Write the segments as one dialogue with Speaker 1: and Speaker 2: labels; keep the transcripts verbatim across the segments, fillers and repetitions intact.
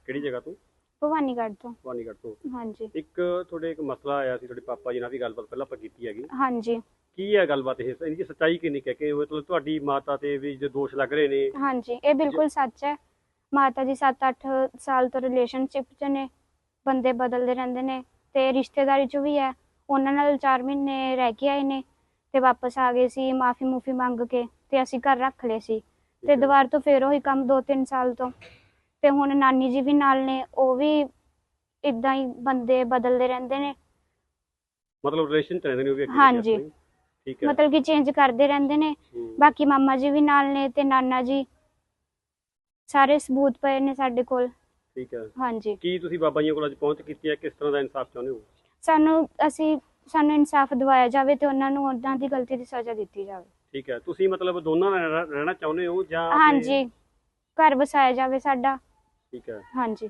Speaker 1: ਕਿਹੜੀ ਜਗ੍ਹਾ ਤੋਂ?
Speaker 2: ਭਵਾਨੀਗੜ੍ਹ ਤੋਂ।
Speaker 1: ਭਵਾਨੀਗੜ੍ਹ ਤੋਂ।
Speaker 2: ਹਾਂਜੀ।
Speaker 1: ਇੱਕ ਤੁਹਾਡੇ ਇੱਕ ਮਸਲਾ ਆਇਆ ਸੀ, ਤੁਹਾਡੇ ਪਾਪਾ ਜੀ ਨਾਲ ਵੀ ਗੱਲਬਾਤ ਪਹਿਲਾਂ ਆਪਾਂ ਕੀਤੀ ਹੈਗੀ।
Speaker 2: ਹਾਂਜੀ।
Speaker 1: ਕੀ ਹੈ ਗੱਲਬਾਤ ਇਹ? ਇਹਦੀ ਸੱਚਾਈ ਕਿੰਨੀ ਕੁ ਹੈ ਕਿ ਮਤਲਬ ਤੁਹਾਡੀ ਮਾਤਾ ਤੇ ਵੀ ਜੋ ਦੋਸ਼ ਲੱਗ ਰਹੇ ਨੇ?
Speaker 2: ਹਾਂਜੀ, ਇਹ ਬਿਲਕੁਲ ਸੱਚ ਹੈ। ਮਾਤਾ ਜੀ ਸੱਤ ਅੱਠ ਸਾਲ ਤੋਂ ਰਿਲੇਸ਼ਨਸ਼ਿਪ 'ਚ ਨੇ, ਬੰਦੇ ਬਦਲਦੇ ਰਹਿੰਦੇ ਨੇ ਤੇ ਰਿਸ਼ਤੇਦਾਰੀ 'ਚ ਵੀ ਹੈ। ਉਹਨਾਂ ਨਾਲ ਚਾਰ ਮਹੀਨੇ ਰਹਿ ਕੇ ਆਏ ਨੇ ਤੇ ਵਾਪਸ ਆ ਗਏ ਸੀ ਮਾਫੀ ਮੂਫੀ ਮੰਗ ਕੇ, ਤੇ ਅਸੀਂ ਘਰ ਰੱਖ ਲਏ ਸੀ ਤੇ ਦੁਬਾਰਾ ਤੋਂ ਫੇਰ ਉਹੀ ਕੰਮ ਦੋ ਤਿੰਨ ਸਾਲ ਤੋਂ। ਤੇ ਹੁਣ ਨਾਨੀ ਜੀ ਵੀ ਨਾਲ ਨੇ, ਉਹ ਵੀ ਇਦਾਂ ਹੀ ਬੰਦੇ ਬਦਲਦੇ ਰਹਿੰਦੇ ਨੇ।
Speaker 1: ਮਤਲਬ ਰਿਲੇਸ਼ਨ ਚ ਰਹਿੰਦੇ ਨੇ ਉਹ ਵੀ?
Speaker 2: ਹਾਂਜੀ,
Speaker 1: ਠੀਕ ਹੈ।
Speaker 2: ਮਤਲਬ ਕਿ ਚੇਂਜ ਕਰਦੇ ਰਹਿੰਦੇ ਨੇ। ਬਾਕੀ ਮਾਮਾ ਜੀ ਵੀ ਨਾਲ ਨੇ ਤੇ ਨਾਨਾ ਜੀ, ਸਾਰੇ ਸਬੂਤ ਪਏ ਨੇ ਸਾਡੇ ਕੋਲ।
Speaker 1: ਠੀਕ ਹੈ।
Speaker 2: ਹਾਂਜੀ।
Speaker 1: ਕੀ ਤੁਸੀਂ ਬਾਬਾ ਜੀ ਕੋਲ ਅੱਜ ਪਹੁੰਚ ਕੀਤੀ ਹੈ? ਕਿਸ ਤਰ੍ਹਾਂ ਦਾ ਇਨਸਾਫ ਚਾਹੁੰਦੇ ਹੋ?
Speaker 2: ਸਾਨੂੰ ਅਸੀਂ ਸਾਨੂੰ ਇਨਸਾਫ ਦਿਵਾਇਆ ਜਾਵੇ ਤੇ ਉਹਨਾਂ ਨੂੰ ਉਹਨਾਂ ਦੀ ਗਲਤੀ ਦੀ ਸਜ਼ਾ ਦਿੱਤੀ ਜਾਵੇ। ਠੀਕ
Speaker 1: ਹੈ। ਤੁਸੀਂ ਮਤਲਬ ਦੋਨਾਂ ਨਾਲ ਰਹਿਣਾ ਚਾਹੁੰਦੇ ਹੋ ਜਾਂ?
Speaker 2: ਹਾਂਜੀ, ਘਰ ਵਸਾਇਆ ਜਾਵੇ ਸਾਡਾ।
Speaker 1: ਠੀਕ ਹੈ।
Speaker 2: ਹਾਂਜੀ।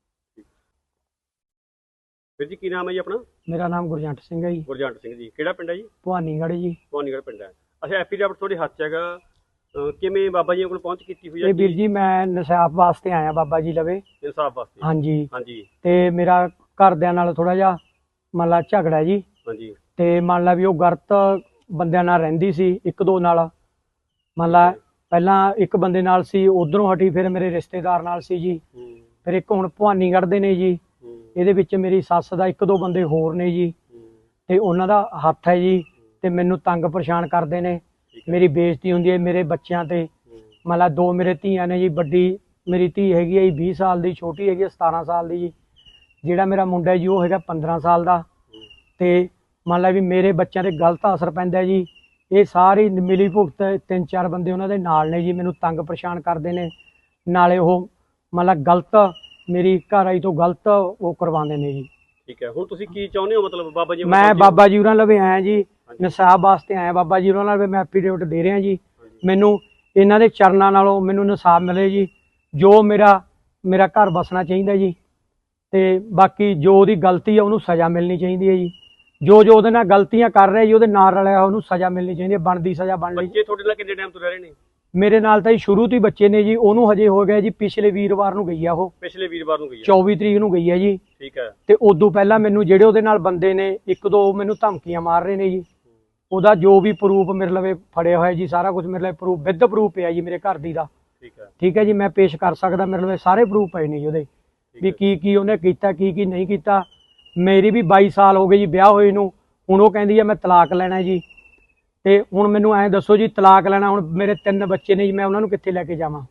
Speaker 1: ਵੀਰ ਜੀ ਕੀ ਨਾਮ ਹੈ ਜੀ ਆਪਣਾ?
Speaker 3: ਮੇਰਾ ਨਾਮ ਗੁਰਜੰਟ ਸਿੰਘ ਹੈ ਜੀ।
Speaker 1: ਗੁਰਜੰਟ ਸਿੰਘ ਜੀ, ਕਿਹੜਾ ਪਿੰਡ ਹੈ ਜੀ?
Speaker 3: ਭਵਾਨੀਗੜ੍ਹ ਜੀ।
Speaker 1: ਭਵਾਨੀਗੜ੍ਹ ਪਿੰਡ ਹੈ। ਅੱਛਾ, ਐਫੀਡੈਵਿਟ ਤੁਹਾਡੇ ਹੱਥ 'ਚ ਹੈਗਾ, ਕਿਵੇਂ ਬਾਬਾ ਜੀ ਕੋਲ ਪਹੁੰਚ ਕੀਤੀ ਹੋਈ ਹੈ?
Speaker 3: ਇਹ ਵੀਰ ਜੀ ਮੈਂ ਇਨਸਾਫ ਵਾਸਤੇ ਆਇਆ ਬਾਬਾ ਜੀ ਲਵੇ।
Speaker 1: ਇਨਸਾਫ ਵਾਸਤੇ?
Speaker 3: ਹਾਂਜੀ
Speaker 1: ਹਾਂਜੀ।
Speaker 3: ਤੇ ਮੇਰਾ ਘਰਦਿਆਂ ਨਾਲ ਥੋੜਾ ਜਿਹਾ ਮੰਨ ਲਾ ਝਗੜਾ ਜੀ।
Speaker 1: ਹਾਂਜੀ।
Speaker 3: ਤੇ ਮੰਨ ਲਾ ਵੀ ਉਹ ਗਲਤ ਬੰਦਿਆਂ ਨਾਲ ਰਹਿੰਦੀ ਸੀ, ਇੱਕ ਦੋ ਨਾਲ। ਮੰਨ ਲਾ ਪਹਿਲਾਂ ਇੱਕ ਬੰਦੇ ਨਾਲ ਸੀ, ਉਧਰੋਂ ਹਟੀ, ਫਿਰ ਮੇਰੇ ਰਿਸ਼ਤੇਦਾਰ ਨਾਲ ਸੀ ਜੀ। ਫਿਰ ਇੱਕ ਹੁਣ ਭਵਾਨੀਗੜ੍ਹ ਦੇ ਨੇ ਜੀ। ਇਹਦੇ ਵਿੱਚ ਮੇਰੀ ਸੱਸ ਦਾ ਇੱਕ ਦੋ ਬੰਦੇ ਹੋਰ ਨੇ ਜੀ, ਤੇ ਉਹਨਾਂ ਦਾ ਹੱਥ ਹੈ ਜੀ। ਤੇ ਮੈਨੂੰ ਤੰਗ ਪਰੇਸ਼ਾਨ ਕਰਦੇ ਨੇ, ਮੇਰੀ ਬੇਇੱਜ਼ਤੀ ਹੁੰਦੀ ਹੈ ਮੇਰੇ ਬੱਚਿਆਂ ਤੇ। ਮੰਨ ਲਾ ਦੋ ਮੇਰੇ ਧੀਆਂ ਨੇ ਜੀ, ਵੱਡੀ ਮੇਰੀ ਧੀ ਹੈਗੀ ਹੈ ਜੀ ਵੀਹ ਸਾਲ ਦੀ, ਛੋਟੀ ਹੈਗੀ ਹੈ ਸਤਾਰਾਂ ਸਾਲ ਦੀ ਜੀ। ਜਿਹੜਾ ਮੇਰਾ ਮੁੰਡਾ ਜੀ ਉਹ ਹੈਗਾ ਪੰਦਰਾਂ ਸਾਲ ਦਾ। ਤੇ ਮੰਨ ਲਾ ਵੀ ਮੇਰੇ ਬੱਚਿਆਂ ਤੇ ਗਲਤ ਅਸਰ ਪੈਂਦਾ ਜੀ। ਇਹ ਸਾਰੀ ਮਿਲੀ ਭੁਗਤ ਤਿੰਨ ਚਾਰ ਬੰਦੇ ਉਹਨਾਂ ਦੇ ਨਾਲ ਨੇ ਜੀ, ਮੈਨੂੰ ਤੰਗ ਪਰੇਸ਼ਾਨ ਕਰਦੇ ਨੇ। ਨਾਲੇ ਉਹ ਮੰਨ ਲਾ ਗਲਤ ਮੇਰੀ ਘਰ ਆਈ ਤੋਂ ਗਲਤ ਉਹ ਕਰਵਾਉਂਦੇ ਨੇ ਜੀ।
Speaker 1: ਠੀਕ ਹੈ। ਹੁਣ ਤੁਸੀਂ ਕੀ ਚਾਹੁੰਦੇ ਹੋ ਮਤਲਬ ਬਾਬਾ ਜੀ?
Speaker 3: ਮੈਂ ਬਾਬਾ ਜੀ ਉਹਨਾਂ ਲਵੇ ਆਇਆ ਜੀ, ਇਨਸਾਫ ਵਾਸਤੇ ਆਇਆ ਬਾਬਾ ਜੀ ਉਹਨਾਂ ਨਾਲ। ਮੈਂ ਐਫੀਡੇਵਿਟ ਦੇ ਰਿਹਾ ਜੀ। ਮੈਨੂੰ ਇਹਨਾਂ ਦੇ ਚਰਨਾਂ ਨਾਲੋਂ ਮੈਨੂੰ ਇਨਸਾਫ ਮਿਲੇ ਜੀ, ਜੋ ਮੇਰਾ ਮੇਰਾ ਘਰ ਬਸਣਾ ਚਾਹੀਦਾ ਜੀ। ਤੇ ਬਾਕੀ ਜੋ ਉਹਦੀ ਗਲਤੀ ਆ ਉਹਨੂੰ ਸਜ਼ਾ ਮਿਲਣੀ ਚਾਹੀਦੀ ਹੈ ਜੀ। ਜੋ ਜੋ ਉਹਦੇ ਨਾਲ ਗਲਤੀਆਂ ਕਰ ਰਿਹਾ ਜੀ, ਉਹਦੇ ਨਾਲ ਰਲਿਆ ਉਹਨੂੰ ਸਜ਼ਾ ਮਿਲਣੀ ਚਾਹੀਦੀ ਹੈ, ਬਣਦੀ ਸਜ਼ਾ ਬਣ ਲਈ।
Speaker 1: ਬੱਚੇ ਤੁਹਾਡੇ ਨਾਲ ਕਿੰਨੇ ਟਾਈਮ ਤੋਂ ਰਹਿ ਰਹੇ ਨੇ?
Speaker 3: ਮੇਰੇ ਨਾਲ ਤਾਂ ਜੀ ਸ਼ੁਰੂ ਤੋਂ ਹੀ ਬੱਚੇ ਨੇ ਜੀ। ਉਹਨੂੰ ਹਜੇ ਹੋ ਗਿਆ ਜੀ, ਪਿਛਲੇ ਵੀਰਵਾਰ ਨੂੰ ਗਈ ਆ ਉਹ।
Speaker 1: ਪਿਛਲੇ ਵੀਰਵਾਰ ਨੂੰ ਗਈ ਆ?
Speaker 3: ਚੌਵੀ ਤਰੀਕ ਨੂੰ ਗਈ ਹੈ ਜੀ।
Speaker 1: ਠੀਕ ਹੈ।
Speaker 3: ਤੇ ਉਦੋਂ ਪਹਿਲਾਂ ਮੈਨੂੰ ਜਿਹੜੇ ਉਹਦੇ ਨਾਲ ਬੰਦੇ ਨੇ ਇੱਕ ਦੋ ਮੈਨੂੰ ਧਮਕੀਆਂ ਮਾਰ ਰਹੇ ਨੇ ਜੀ। ਉਹਦਾ ਜੋ ਵੀ ਪ੍ਰੂਫ ਮੇਰੇ ਲਵੇ ਫੜਿਆ ਹੋਇਆ ਜੀ, ਸਾਰਾ ਕੁਝ ਮੇਰੇ ਲਵੇ ਪ੍ਰੂਫ ਵਿਦ ਪ੍ਰੂਫ ਪਿਆ ਜੀ ਮੇਰੇ ਘਰ ਦੀ ਦਾ।
Speaker 1: ਠੀਕ ਹੈ।
Speaker 3: ਠੀਕ ਹੈ ਜੀ, ਮੈਂ ਪੇਸ਼ ਕਰ ਸਕਦਾ, ਮੇਰੇ ਲਵੇ ਸਾਰੇ ਪ੍ਰੂਫ ਪਏ ਨੇ ਜੀ ਉਹਦੇ, ਵੀ ਕੀ ਕੀ ਉਹਨੇ ਕੀਤਾ, ਕੀ ਕੀ ਨਹੀਂ ਕੀਤਾ। ਮੇਰੀ ਵੀ ਬਾਈ ਸਾਲ ਹੋ ਗਏ ਜੀ ਵਿਆਹ ਹੋਏ ਨੂੰ। ਹੁਣ ਉਹ ਕਹਿੰਦੀ ਹੈ ਮੈਂ ਤਲਾਕ ਲੈਣਾ ਜੀ। ਤੇ ਹੁਣ ਮੈਨੂੰ ਐਂ ਦੱਸੋ ਜੀ, ਤਲਾਕ ਲੈਣਾ, ਹੁਣ ਮੇਰੇ ਤਿੰਨ ਬੱਚੇ ਨੇ ਜੀ, ਮੈਂ ਉਹਨਾਂ ਨੂੰ ਕਿੱਥੇ ਲੈ ਕੇ ਜਾਵਾਂ?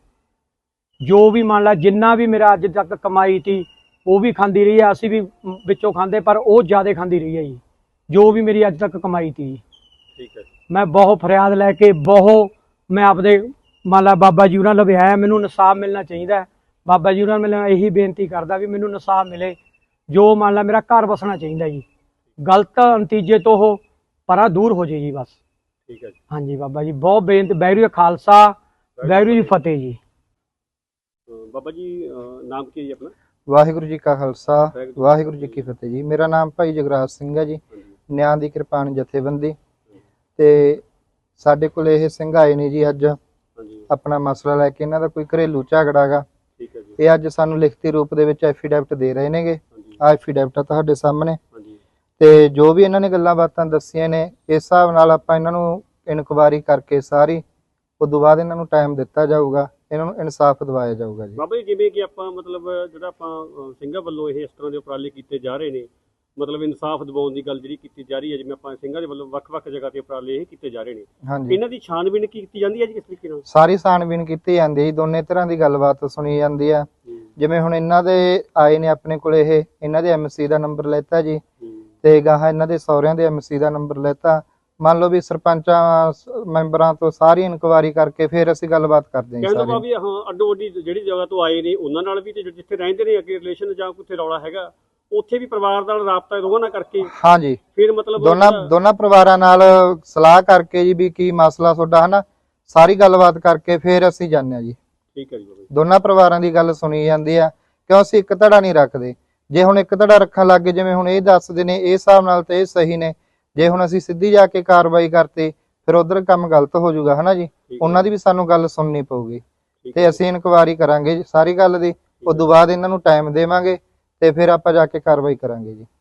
Speaker 3: ਜੋ ਵੀ ਮੰਨ ਲਾ ਜਿੰਨਾ ਵੀ ਮੇਰਾ ਅੱਜ ਤੱਕ ਕਮਾਈ ਤੀ ਉਹ ਵੀ ਖਾਂਦੀ ਰਹੀ ਹੈ, ਅਸੀਂ ਵੀ ਵਿੱਚੋਂ ਖਾਂਦੇ, ਪਰ ਉਹ ਜ਼ਿਆਦਾ ਖਾਂਦੀ ਰਹੀ ਹੈ ਜੀ, ਜੋ ਵੀ ਮੇਰੀ ਅੱਜ ਤੱਕ ਕਮਾਈ ਤੀ।
Speaker 1: ਠੀਕ ਹੈ।
Speaker 3: ਮੈਂ ਬਹੁਤ ਫਰਿਆਦ ਲੈ ਕੇ ਬਹੁਤ ਮੈਂ ਆਪਦੇ ਮੰਨ ਲਾ ਬਾਬਾ ਜੀ ਉਹਨਾਂ ਲਵੇ ਆਇਆ। ਮੈਨੂੰ ਇਨਸਾਫ ਮਿਲਣਾ ਚਾਹੀਦਾ। ਬਾਬਾ ਜੀ ਉਹਨਾਂ ਨੂੰ ਇਹੀ ਬੇਨਤੀ ਕਰਦਾ ਵੀ ਮੈਨੂੰ ਇਨਸਾਫ ਮਿਲੇ, ਜੋ ਮੰਨ ਲਾ ਮੇਰਾ ਘਰ ਵਸਣਾ ਚਾਹੀਦਾ ਜੀ। ਗਲਤ ਨਤੀਜੇ ਤੋਂ ਉਹ ਪਰਾਂ ਦੂਰ ਹੋ ਜੇ ਜੀ ਬਸ।
Speaker 1: ਠੀਕ ਹੈ ਜੀ।
Speaker 3: ਹਾਂਜੀ ਬਾਬਾ ਜੀ ਬਹੁਤ ਬੇਨਤੀ। ਵਾਹਿਗੁਰੂ ਜੀ ਖਾਲਸਾ, ਵਾਹਿਗੁਰੂ ਜੀ ਫਤਿਹ ਜੀ।
Speaker 1: ਬਾਬਾ ਜੀ ਨਾਮ ਕੀ ਹੈ ਜੀ ਆਪਣਾ?
Speaker 4: ਵਾਹਿਗੁਰੂ ਜੀ ਕਾ ਖਾਲਸਾ, ਵਾਹਿਗੁਰੂ ਜੀ ਕੀ ਫਤਿਹ ਜੀ। ਮੇਰਾ ਨਾਮ ਭਾਈ ਜਗਰਾਜ ਸਿੰਘ ਹੈ ਜੀ, ਨਿਆਂ ਦੀ ਕਿਰਪਾਨ ਜਥੇਬੰਦੀ। ਤੇ ਸਾਡੇ ਕੋਲ ਇਹ ਸਿੰਘ ਆਏ ਨੇ ਜੀ ਅੱਜ ਆਪਣਾ ਮਸਲਾ ਲੈ ਕੇ। ਇਹਨਾਂ ਦਾ ਕੋਈ ਘਰੇਲੂ ਝਗੜਾ ਗਾ। ਇਹ ਅੱਜ ਸਾਨੂੰ ਲਿਖਤੀ ਰੂਪ ਦੇ ਵਿੱਚ ਐਫੀਡੈਵਿਟ ਦੇ ਰਹੇ ਨੇਗੇ। ਆ ਐਫੀਡੈਵਿਟ ਆ ਤੁਹਾਡੇ ਸਾਹਮਣੇ। ਤੇ ਜੋ ਵੀ ਇਹਨਾਂ ਨੇ ਗੱਲਾਂ ਬਾਤਾਂ ਦੱਸੀਆਂ ਨੇ, ਇਸ ਹਿਸਾਬ ਨਾਲ ਆਪਾਂ ਇਹਨਾਂ ਨੂੰ ਇਨਕੁਆਇਰੀ ਕਰਕੇ ਸਾਰੀ, ਉਦੋਂ ਬਾਅਦ ਇਹਨਾਂ ਨੂੰ ਟਾਈਮ ਦਿੱਤਾ ਜਾਊਗਾ, ਇਹਨਾਂ ਨੂੰ ਇਨਸਾਫ ਦਿਵਾਇਆ ਜਾਊਗਾ ਜੀ।
Speaker 1: ਬਾਬਾ ਜੀ ਜਿਵੇਂ ਕਿ ਆਪਾਂ ਮਤਲਬ ਜਿਹੜਾ ਆਪਾਂ ਸਿੰਘਾਂ ਵੱਲੋਂ ਇਹ ਇਸ ਤਰ੍ਹਾਂ ਦੇ ਉਪਰਾਲੇ ਕੀਤੇ ਜਾ ਰਹੇ ਨੇ, ਮਤਲਬ ਇਨਸਾਫ ਦਿਵਾਉਣ ਦੀ ਗੱਲ ਜਿਹੜੀ ਕੀਤੀ ਜਾ ਰਹੀ ਹੈ, ਜਿਵੇਂ ਆਪਾਂ ਸਿੰਘਾਂ ਦੇ ਵੱਲੋਂ ਵੱਖ-ਵੱਖ ਜਗ੍ਹਾ ਤੇ ਉਪਰਾਲੇ ਇਹ ਕੀਤੇ ਜਾ ਰਹੇ ਨੇ,
Speaker 4: ਹਾਂਜੀ,
Speaker 1: ਇਹਨਾਂ ਦੀ ਛਾਣਬੀਣ ਕੀਤੀ ਜਾਂਦੀ ਹੈ ਜੀ ਕਿਸ ਤਰੀਕੇ ਨਾਲ?
Speaker 4: ਸਾਰੀ ਛਾਣਬੀਣ ਕੀਤੀ ਜਾਂਦੀ ਹੈ, ਦੋਨੇ ਤਰ੍ਹਾਂ ਦੀ ਗੱਲਬਾਤ ਸੁਣੀ ਜਾਂਦੀ ਹੈ। ਜਿਵੇਂ ਹੁਣ ਇਹਨਾਂ ਦੇ ਆਏ ਨੇ ਆਪਣੇ ਕੋਲ, ਇਹ ਇਹਨਾਂ ਦੇ ਐਮਸੀ ਦਾ ਨੰਬਰ ਲੈਤਾ ਜੀ, ਤੇ ਗਾਹਾਂ ਇਹਨਾਂ ਦੇ ਸਹੁਰਿਆਂ ਦੇ ਐਮਸੀ ਦਾ ਨੰਬਰ ਲੈਤਾ। ਮੰਨ ਲਓ ਵੀ ਸਰਪੰਚਾਂ ਮੈਂਬਰਾਂ ਤੋਂ ਸਾਰੀ ਇਨਕੁਆਇਰੀ ਕਰਕੇ ਫਿਰ ਅਸੀਂ ਗੱਲਬਾਤ ਕਰਦੇ ਹਾਂ।
Speaker 1: ਕਹਿੰਦਾ ਵੀ ਹਾਂ ਅੱਡੋ ਅੱਡੀ ਜਿਹੜੀ ਜਗ੍ਹਾ ਤੋਂ ਆਏ ਨੇ ਉਹਨਾਂ ਨਾਲ ਵੀ, ਤੇ ਜਿੱਥੇ ਰਹਿੰਦੇ ਨੇ ਅੱਗੇ ਰਿਲੇਸ਼ਨ ਜਾਂ ਕੋਈ ਰੌਲਾ ਹੈਗਾ, ਉੱਥੇ ਵੀ ਪਰਿਵਾਰ ਨਾਲ ਰਾਬਤਾ ਦੋਵਾਂ ਨਾਲ ਕਰਕੇ,
Speaker 4: ਹਾਂਜੀ,
Speaker 1: ਫਿਰ ਮਤਲਬ
Speaker 4: ਦੋਨਾਂ ਦੋਨਾਂ ਪਰਿਵਾਰਾਂ ਨਾਲ ਸਲਾਹ ਕਰਕੇ ਜੀ ਵੀ ਕੀ ਮਸਲਾ ਤੁਹਾਡਾ ਹਨਾ, ਸਾਰੀ ਗੱਲਬਾਤ ਕਰਕੇ ਫਿਰ ਅਸੀਂ ਜਾਂਦੇ ਹਾਂ ਜੀ।
Speaker 1: ਠੀਕ ਹੈ ਜੀ।
Speaker 4: ਦੋਨਾਂ ਪਰਿਵਾਰਾਂ ਦੀ ਗੱਲ ਸੁਣੀ ਜਾਂਦੀ ਆ, ਕਿਉਂ ਅਸੀਂ ਇੱਕ ਧੜਾ ਨਹੀਂ ਰੱਖਦੇ। ਜੇ ਹੁਣ ਇੱਕ ਧੜਾ ਰੱਖਣ ਲੱਗ ਗਏ, ਜਿਵੇਂ ਹੁਣ ਇਹ ਦੱਸਦੇ ਨੇ, ਇਹ ਹਿਸਾਬ ਨਾਲ ਤੇ ਇਹ ਸਹੀ ਨੇ। ਜੇ ਹੁਣ ਅਸੀਂ ਸਿੱਧੀ ਜਾ ਕੇ ਕਾਰਵਾਈ ਕਰਤੇ, ਫਿਰ ਉਧਰ ਕੰਮ ਗਲਤ ਹੋ ਜਾਊਗਾ ਹਨਾ ਜੀ। ਉਹਨਾਂ ਦੀ ਵੀ ਸਾਨੂੰ ਗੱਲ ਸੁਣਨੀ ਪਊਗੀ, ਤੇ ਅਸੀਂ ਇਨਕੁਆਇਰੀ ਕਰਾਂਗੇ ਸਾਰੀ ਗੱਲ ਦੀ, ਉਸ ਤੋਂ ਬਾਅਦ ਇਹਨਾਂ ਨੂੰ ਟਾਈਮ ਦੇਵਾਂਗੇ ਤੇ ਫਿਰ ਆਪਾਂ ਜਾ ਕੇ ਕਾਰਵਾਈ ਕਰਾਂਗੇ ਜੀ।